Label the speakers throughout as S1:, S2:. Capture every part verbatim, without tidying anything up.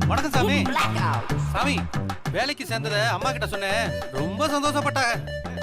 S1: வணக்கம் சாமி. சாமி வேலைக்கு சேர்ந்தத அம்மா கிட்ட சொன்னேன், ரொம்ப சந்தோஷப்பட்டாங்க.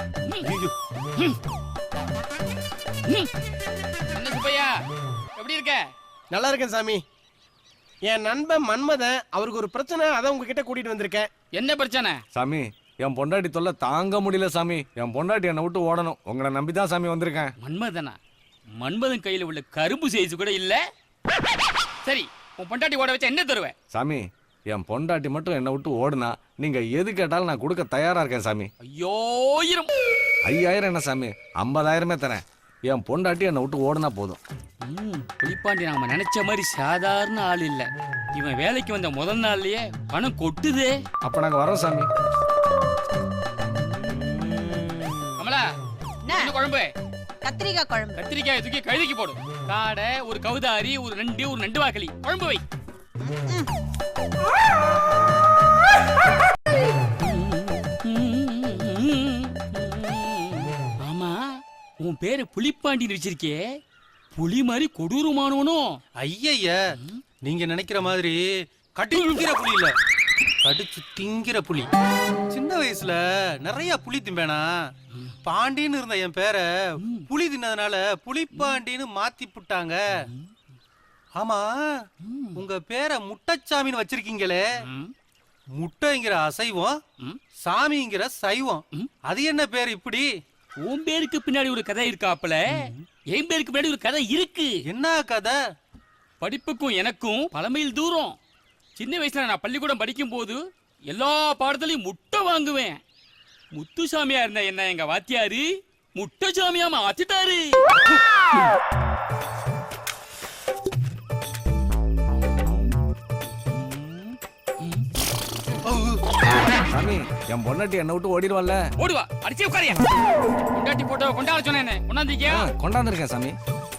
S2: என்ன சுப்பையா எப்படி இருக்க?
S3: நல்லா இருக்கேன் சாமி. என் நண்பன் மன்மதன், அவருக்கு ஒரு பிரச்சனை, அதான் உங்ககிட்ட கூட்டிட்டு வந்திருக்கேன்.
S2: என்ன பிரச்சனை?
S4: சாமி என் பொண்டாட்டி தொல்லை தாங்க முடியல சாமி. என் பொண்டாட்டி என்னை விட்டு ஓடணும். உங்களை நம்பிதான் சாமி வந்திருக்கேன்.
S2: மன்மதனா? மன்மதன் கையில உள்ள கரும்பு சைஸ் கூட இல்ல. சரி, உன் பொண்டாட்டி ஓட வச்சா என்ன தருவேன்?
S4: சாமி என் பொண்டாட்டி மட்டும் என்னை விட்டு ஓடுனா நீங்க எது கேட்டாலும் நான் கொடுக்க தயாரா இருக்கேன் சாமி.
S2: ஐயோயிரம்.
S4: ஐயாயிரம் என்ன சாமி, ஐம்பதாயிரமே தரேன். என் பொண்டாட்டி என்னை விட்டு ஓடுனா போதும்.
S2: புலிப்பாண்டி நாம நினைச்ச மாதிரி சாதாரண ஆள் இல்ல. இவன் வேலைக்கு வந்த முதல் நாள்லயே பணம் கொட்டுதே.
S4: அப்ப நாங்க வரோம் சாமி.
S2: கமலா, என்ன குழம்பு?
S5: கத்திரிக்காய் குழம்பு.
S2: கத்திரிக்காய் தூக்கி கழுதிக்கு போடு. காடை, ஒரு கவுதாரி, ஒரு நண்டு, ஒரு நண்டு வாக்களி குழம்பு வை. ஆமா, உன் பேரு புலிப்பாண்டின்னு வச்சிருக்கே, புலி மாதிரி கொடூரமானவனும்?
S1: ஐய, நீங்க நினைக்கிற மாதிரி கடிக்கிற புலி இல்ல, கடிச்சு திங்கிற புலி. சின்ன வயசுல நிறைய புலி திம்பேனா, பாண்டின்னு இருந்த என் பேரை புலி தின்னதுனால புலிப்பாண்டின்னு மாத்தி புட்டாங்க. ஆமா, உங்க பேரை முட்டைச்சாமின்னு வச்சிருக்கீங்களே, முட்டைங்கிற அசைவம், சாமிங்கிற சைவம், அது என்ன பேர் இப்படி?
S2: உன் பேருக்கு பின்னாடி ஒரு கதை இருக்காப்ல, என் பேருக்கு பின்னாடி ஒரு கதை இருக்கு.
S1: என்ன கதை?
S2: படிப்புக்கும் எனக்கும் பல மைல் தூரம். சின்ன வயசுல நான் பள்ளிக்கூடம் படிக்கும் போது எல்லா பாடத்திலையும் முட்டை வாங்குவேன். முத்துசாமியா இருந்த என்ன எங்க வாத்தியாரு முட்டைசாமியா மாத்திட்டாரு.
S4: சாமி என் பொண்டாட்டி என்னை விட்டு ஓடிடுவாள்ல?
S2: ஓடுவா, அடிச்சு உட்காரியா. பொண்டாட்டி போட்டோ கொண்டாட சொன்னேன், கொண்டாந்தீங்க?
S4: கொண்டாந்துருக்கேன் சாமி.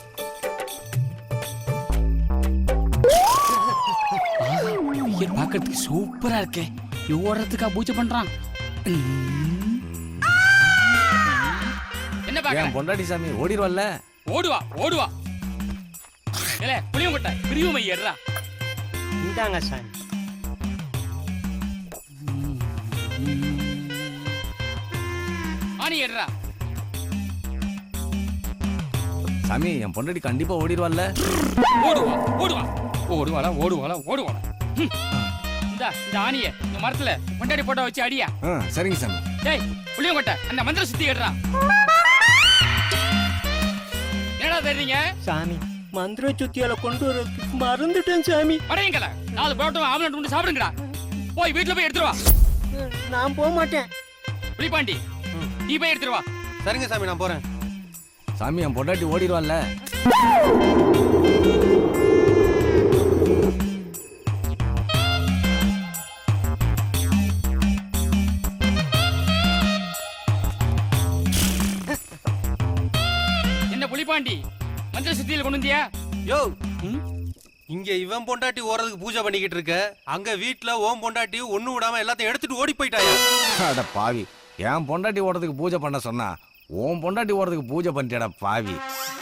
S2: பாக்கிறதுக்கு சூப்பரா இருக்கே. ஓடுறதுக்கா பூஜை பண்றான். என்ன பாக்க?
S4: என் பொண்டாட்டி சாமி ஓடிடுவாள்ல?
S2: ஓடுவா ஓடுவா. ஏலே புளியம் கொட்டை பிரிவுமை ஏறா.
S3: இந்தாங்க சாமி.
S2: ஆனி ஏறா.
S4: சாமி என் பொண்டாட்டி கண்டிப்பா ஓடிடுவாள்ல?
S2: ஓடுவா ஓடுவா ஓடுவாளா ஓடுவாளா ஓடுவாளா. இந்த இந்த ஆணிய இந்த மரத்துல பொண்டாட்டி போட்டோ வச்சு அடியா.
S4: சரிங்க சாமி.
S2: டேய் புளியம் கொட்டை அந்த மந்திர சுத்தி ஏறா. என்னடா தெரியுங்க
S3: சாமி, மந்திர சுத்தியால கொண்டு வர மறந்துட்டேன் சாமி.
S2: படையங்கள நாலு பரோட்டா ஆம்லெட் கொண்டு சாப்பிடுங்கடா. போய் வீட்டுல போய் எடுத்துட்டு வா.
S3: நான் போக மாட்டேன்.
S2: புலிப்பாண்டி நீ போய் எடுத்துட்டு வா.
S1: சரிங்க சாமி, நான் போறேன்.
S4: சாமி என் பொண்டாட்டி ஓடிடுவாள்ல?
S2: என்ன புலிப்பாண்டி மந்திர சுத்தியில கொண்டு வந்தியா?
S1: யோ, இங்க இவன் பொண்டாட்டி ஓடுறதுக்கு பூஜை பண்ணிக்கிட்டு இருக்க, அங்க வீட்டுல ஓம் பொண்டாட்டி ஒண்ணு விடாம எல்லாத்தையும் எடுத்துட்டு ஓடி போயிட்டாயா?
S4: அட பாவி, என் பொண்டாட்டி ஓடுறதுக்கு பூஜை பண்ண சொன்னா உன் பொண்டாட்டி ஓடுறதுக்கு பூஜை பண்ணிட்டேடா பாவி.